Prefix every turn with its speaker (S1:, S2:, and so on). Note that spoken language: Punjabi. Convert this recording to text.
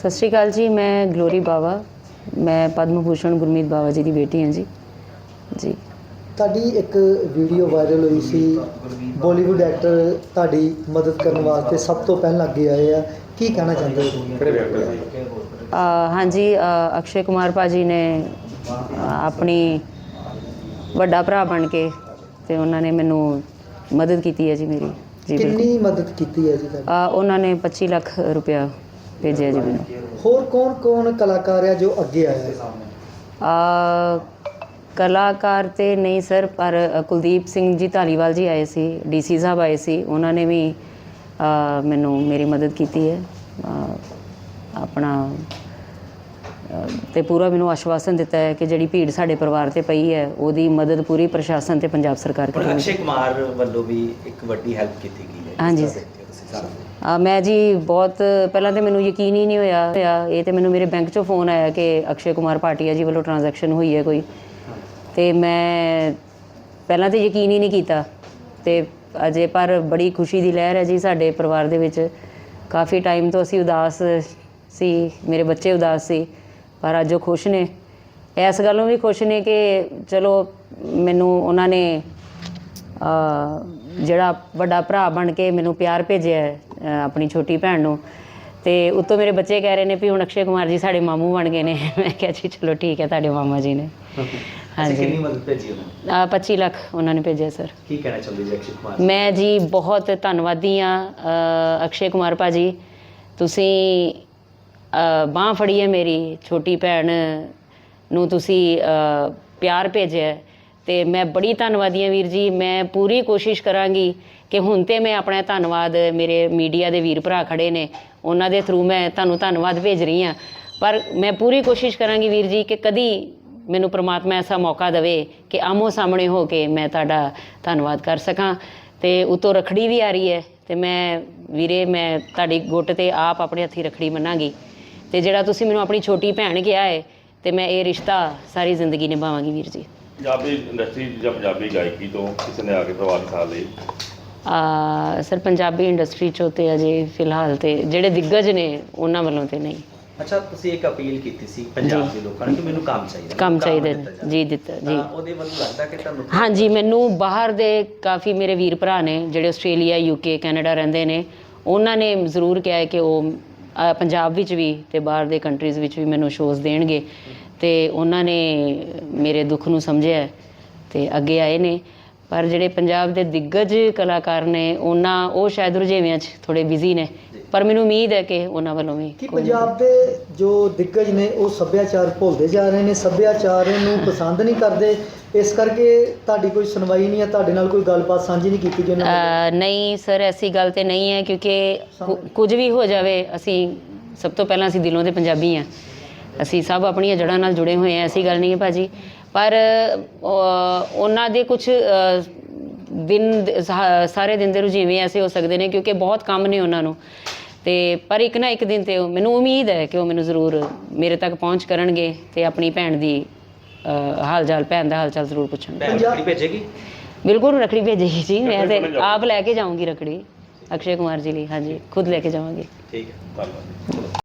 S1: सत श्री अकाल जी। मैं ग्लोरी बावा, मैं पद्म भूषण गुरमीत बावा जी की बेटी हाँ जी। जी
S2: ਤੁਹਾਡੀ ਇੱਕ ਵੀਡੀਓ ਵਾਇਰਲ ਹੋਈ ਸੀ, ਬਾਲੀਵੁੱਡ ਐਕਟਰ ਤੁਹਾਡੀ ਮਦਦ ਕਰਨ ਵਾਸਤੇ ਸਭ ਤੋਂ ਪਹਿਲਾਂ ਅੱਗੇ ਆਏ ਆ, ਕੀ ਕਹਿਣਾ ਚਾਹੁੰਦੇ ਹੋ?
S1: हाँ जी, अक्षय कुमार भाजी ने अपनी ਵੱਡਾ ਭਰਾ ਬਣ ਕੇ ਤੇ ਉਹਨਾਂ ਨੇ ਮੈਨੂੰ ਮਦਦ ਕੀਤੀ ਹੈ ਜੀ ਮੇਰੀ। ਜੀ
S2: ਕਿੰਨੀ ਮਦਦ ਕੀਤੀ ਹੈ ਜੀ ਤੁਹਾਡੀ?
S1: ਉਹਨਾਂ ਨੇ 25 ਲੱਖ ਰੁਪਇਆ ਭੇਜਿਆ ਜੀ ਮੈਨੂੰ।
S2: ਹੋਰ ਕੌਣ ਕਲਾਕਾਰ ਆ ਜੋ ਅੱਗੇ ਆਇਆ?
S1: ਕਲਾਕਾਰ ਤੇ ਨਹੀਂ ਸਰ, ਪਰ ਕੁਲਦੀਪ ਸਿੰਘ ਜੀ ਧਾਲੀਵਾਲ ਜੀ ਆਏ ਸੀ, ਡੀਸੀ ਸਾਹਿਬ ਆਏ ਸੀ, ਉਹਨਾਂ ਨੇ ਵੀ ਮੈਨੂੰ ਮੇਰੀ ਮਦਦ ਕੀਤੀ ਹੈ। ਆਪਣਾ ਤੇ ਪੂਰਾ ਮੈਨੂੰ ਆਸ਼ਵਾਸਨ ਦਿੱਤਾ ਹੈ ਕਿ ਜਿਹੜੀ ਭੀੜ ਸਾਡੇ ਪਰਿਵਾਰ ਤੇ ਪਈ ਹੈ ਉਹਦੀ ਮਦਦ ਪੂਰੀ ਪ੍ਰਸ਼ਾਸਨ ਤੇ ਪੰਜਾਬ ਸਰਕਾਰ ਕਰੇਗੀ।
S3: ਅਕਸ਼ੇ ਕੁਮਾਰ ਵੱਲੋਂ ਵੀ ਇੱਕ ਵੱਡੀ ਹੈਲਪ ਕੀਤੀ ਗਈ ਹੈ।
S1: ਹਾਂਜੀ ਮੈਂ ਜੀ ਬਹੁਤ ਪਹਿਲਾਂ ਤਾਂ ਮੈਨੂੰ ਯਕੀਨ ਹੀ ਨਹੀਂ ਹੋਇਆ। ਇਹ ਤੇ ਮੈਨੂੰ ਮੇਰੇ ਬੈਂਕ 'ਚੋਂ ਫੋਨ ਆਇਆ ਕਿ ਅਕਸ਼ੇ ਕੁਮਾਰ ਭਾਟੀਆ ਜੀ ਵੱਲੋਂ ਟ੍ਰਾਂਜੈਕਸ਼ਨ ਹੋਈ ਹੈ ਕੋਈ, ਤੇ ਮੈਂ ਪਹਿਲਾਂ ਤਾਂ ਯਕੀਨ ਹੀ ਨਹੀਂ ਕੀਤਾ। ਤੇ ਅਜੇ ਪਰ ਬੜੀ ਖੁਸ਼ੀ ਦੀ ਲਹਿਰ ਹੈ ਜੀ ਸਾਡੇ ਪਰਿਵਾਰ ਦੇ ਵਿੱਚ। ਕਾਫੀ ਟਾਈਮ ਤੋਂ ਅਸੀਂ ਉਦਾਸ ਸੀ, ਮੇਰੇ ਬੱਚੇ ਉਦਾਸ ਸੀ, ਪਰ ਅੱਜ ਉਹ ਖੁਸ਼ ਨੇ। ਇਸ ਗੱਲੋਂ ਵੀ ਖੁਸ਼ ਨੇ ਕਿ ਚਲੋ ਮੈਨੂੰ ਉਹਨਾਂ ਨੇ ਜਿਹੜਾ ਵੱਡਾ ਭਰਾ ਬਣ ਕੇ ਮੈਨੂੰ ਪਿਆਰ ਭੇਜਿਆ ਆਪਣੀ ਛੋਟੀ ਭੈਣ ਨੂੰ। ਤੇ ਉੱਤੋਂ ਮੇਰੇ ਬੱਚੇ ਕਹਿ ਰਹੇ ਨੇ ਵੀ ਹੁਣ ਅਕਸ਼ੇ ਕੁਮਾਰ ਜੀ ਸਾਡੇ ਮਾਮੂ ਬਣ ਗਏ ਨੇ। ਮੈਂ ਕਿਹਾ ਜੀ ਚਲੋ ਠੀਕ ਹੈ, ਤੁਹਾਡੇ ਮਾਮਾ ਜੀ ਨੇ। ਹਾਂਜੀ
S3: ਕਿੰਨੀ ਮਦਦ ਭੇਜੀ ਉਹਨਾਂ
S1: 25 ਲੱਖ ਉਹਨਾਂ ਨੇ ਭੇਜਿਆ ਸਰ।
S3: ਕੀ ਕਹਿਣਾ ਚਾਹੁੰਦੇ ਜੀ ਅਕਸ਼ੇ ਕੁਮਾਰ?
S1: ਮੈਂ ਜੀ ਬਹੁਤ ਧੰਨਵਾਦੀ ਹਾਂ ਅਕਸ਼ੇ ਕੁਮਾਰ ਭਾਜੀ, ਤੁਸੀਂ ਬਾਂਹ ਫੜੀ ਹੈ ਮੇਰੀ ਛੋਟੀ ਭੈਣ ਨੂੰ, ਤੁਸੀਂ ਪਿਆਰ ਭੇਜਿਆ ਤੇ ਮੈਂ ਬੜੀ ਧੰਨਵਾਦੀ ਹਾਂ ਵੀਰ ਜੀ। ਮੈਂ ਪੂਰੀ ਕੋਸ਼ਿਸ਼ ਕਰਾਂਗੀ ਕਿ ਹੁਣ ਤੇ ਮੈਂ ਆਪਣਾ ਧੰਨਵਾਦ, ਮੇਰੇ ਮੀਡੀਆ ਦੇ ਵੀਰ ਭਰਾ ਖੜੇ ਨੇ ਉਹਨਾਂ ਦੇ ਥਰੂ ਮੈਂ ਤੁਹਾਨੂੰ ਧੰਨਵਾਦ ਭੇਜ ਰਹੀ ਹਾਂ, ਪਰ ਮੈਂ ਪੂਰੀ ਕੋਸ਼ਿਸ਼ ਕਰਾਂਗੀ ਵੀਰ ਜੀ ਕਿ ਕਦੀ ਮੈਨੂੰ ਪ੍ਰਮਾਤਮਾ ਐਸਾ ਮੌਕਾ ਦੇਵੇ ਕਿ ਆਮੋ ਸਾਹਮਣੇ ਹੋ ਕੇ ਮੈਂ ਤੁਹਾਡਾ ਧੰਨਵਾਦ ਕਰ ਸਕਾਂ। ਤੇ ਉੱਤੋਂ ਰੱਖੜੀ ਵੀ ਆ ਰਹੀ ਹੈ ਤੇ ਮੈਂ ਵੀਰੇ ਮੈਂ ਤੁਹਾਡੀ ਗੁੱਟ ਤੇ ਆਪ ਆਪਣੇ ਹੱਥੀਂ ਰੱਖੜੀ ਮੰਨਾਂਗੀ। ਤੇ ਜਿਹੜਾ ਤੁਸੀਂ ਮੈਨੂੰ ਆਪਣੀ ਛੋਟੀ ਭੈਣ ਕਿਹਾ ਹੈ ਤੇ ਮੈਂ ਇਹ ਰਿਸ਼ਤਾ ਸਾਰੀ ਜ਼ਿੰਦਗੀ ਨਿਭਾਵਾਂਗੀ ਵੀਰ ਜੀ।
S4: ਪੰਜਾਬੀ ਇੰਡਸਟਰੀ ਜਾਂ ਪੰਜਾਬੀ ਗਾਇਕੀ ਤੋਂ ਕਿਸੇ ਨੇ ਆ ਕੇ ਪ੍ਰਭਾਵਿਤ ਸਾਥ ਲਈ?
S1: ਸਰ ਪੰਜਾਬੀ ਇੰਡਸਟਰੀ 'ਚੋਂ ਤੇ ਅਜੇ ਫਿਲਹਾਲ ਤੇ ਜਿਹੜੇ ਦਿੱਗਜ ਨੇ ਉਹਨਾਂ ਵੱਲੋਂ ਤੇ ਨਹੀਂ।
S3: ਅੱਛਾ, ਤੁਸੀਂ ਇੱਕ ਅਪੀਲ ਕੀਤੀ ਸੀ ਪੰਜਾਬ ਦੇ ਲੋਕਾਂ ਨੂੰ ਕਿ ਮੈਨੂੰ ਕੰਮ ਚਾਹੀਦਾ,
S1: ਕੰਮ ਚਾਹੀਦਾ ਜੀ, ਦਿੱਤਾ ਜੀ।
S3: ਉਹਦੇ ਵੱਲੋਂ ਲੱਗਦਾ ਕਿ ਤੁਹਾਨੂੰ?
S1: ਹਾਂਜੀ, ਮੈਨੂੰ ਬਾਹਰ ਦੇ ਕਾਫੀ ਮੇਰੇ ਵੀਰ ਭਰਾ ਨੇ ਜਿਹੜੇ ਆਸਟ੍ਰੇਲੀਆ, ਯੂਕੇ, ਕੈਨੇਡਾ ਰਹਿੰਦੇ ਨੇ, ਉਹਨਾਂ ਨੇ ਜ਼ਰੂਰ ਕਿਹਾ ਹੈ ਕਿ ਉਹ ਪੰਜਾਬ ਵਿੱਚ ਵੀ ਤੇ ਬਾਹਰ ਦੇ ਕੰਟਰੀਜ਼ ਵਿੱਚ ਵੀ ਮੈਨੂੰ ਸ਼ੋਅਜ਼ ਦੇਣਗੇ। ਤੇ ਉਹਨਾਂ ਨੇ ਮੇਰੇ ਦੁੱਖ ਨੂੰ ਸਮਝਿਆ ਤੇ ਅੱਗੇ ਆਏ ਨੇ। ਪਰ ਜਿਹੜੇ ਪੰਜਾਬ ਦੇ ਦਿੱਗਜ ਕਲਾਕਾਰ ਨੇ ਉਹ ਸ਼ਾਇਦ ਰੁਝੇਵਿਆਂ 'ਚ ਥੋੜ੍ਹੇ ਬਿਜ਼ੀ ਨੇ, ਪਰ ਮੈਨੂੰ ਉਮੀਦ ਹੈ ਕਿ ਉਹਨਾਂ ਵੱਲੋਂ ਵੀ
S2: ਕਿ ਪੰਜਾਬ ਦੇ ਜੋ ਦਿੱਗਜ ਨੇ ਉਹ ਸੱਭਿਆਚਾਰ ਭੁੱਲਦੇ ਜਾ ਰਹੇ ਨੇ, ਸੱਭਿਆਚਾਰ ਨੂੰ ਪਸੰਦ ਨਹੀਂ ਕਰਦੇ, ਇਸ ਕਰਕੇ ਤੁਹਾਡੀ ਕੋਈ ਸੁਣਵਾਈ ਨਹੀਂ ਹੈ, ਤੁਹਾਡੇ ਨਾਲ ਕੋਈ ਗੱਲਬਾਤ ਸਾਂਝੀ ਨਹੀਂ ਕੀਤੀ ਗਈ?
S1: ਨਹੀਂ ਸਰ, ਐਸੀ ਗੱਲ ਤੇ ਨਹੀਂ ਹੈ, ਕਿਉਂਕਿ ਕੁਝ ਵੀ ਹੋ ਜਾਵੇ ਅਸੀਂ ਸਭ ਤੋਂ ਪਹਿਲਾਂ ਅਸੀਂ ਦਿਲੋਂ ਦੇ ਪੰਜਾਬੀ ਹਾਂ, ਅਸੀਂ ਸਭ ਆਪਣੀਆਂ ਜੜ੍ਹਾਂ ਨਾਲ ਜੁੜੇ ਹੋਏ ਹਾਂ, ਐਸੀ ਗੱਲ ਨਹੀਂ ਹੈ ਭਾਜੀ। ਪਰ ਉਹਨਾਂ ਦੇ ਕੁਛ ਦਿਨ ਸਾਰੇ ਦਿਨ ਦੇ ਰੁਝੇਵੇਂ ਐਸੇ ਹੋ ਸਕਦੇ ਨੇ ਕਿਉਂਕਿ ਬਹੁਤ ਕੰਮ ਨੇ ਉਹਨਾਂ ਨੂੰ, ਤੇ ਪਰ ਇੱਕ ਨਾ ਇੱਕ ਦਿਨ ਤੇ ਮੈਨੂੰ ਉਮੀਦ ਹੈ ਕਿ ਉਹ ਮੈਨੂੰ ਜ਼ਰੂਰ ਮੇਰੇ ਤੱਕ ਪਹੁੰਚ ਕਰਨਗੇ ਤੇ ਆਪਣੀ ਭੈਣ ਦੀ ਭੈਣ ਦਾ ਹਾਲ ਚਾਲ ਜ਼ਰੂਰ ਪੁੱਛਣਗੇ।
S3: ਰੱਖੜੀ ਭੇਜੇਗੀ?
S1: ਬਿਲਕੁਲ ਰੱਖੜੀ ਭੇਜੇਗੀ ਜੀ। ਮੈਂ ਤੇ ਆਪ ਲੈ ਕੇ ਜਾਊਂਗੀ ਰੱਖੜੀ ਅਕਸ਼ੇ ਕੁਮਾਰ ਜੀ ਲਈ। ਹਾਂਜੀ, ਖੁਦ ਲੈ ਕੇ ਜਾਵਾਂਗੀ।
S3: ਠੀਕ ਹੈ, ਧੰਨਵਾਦ।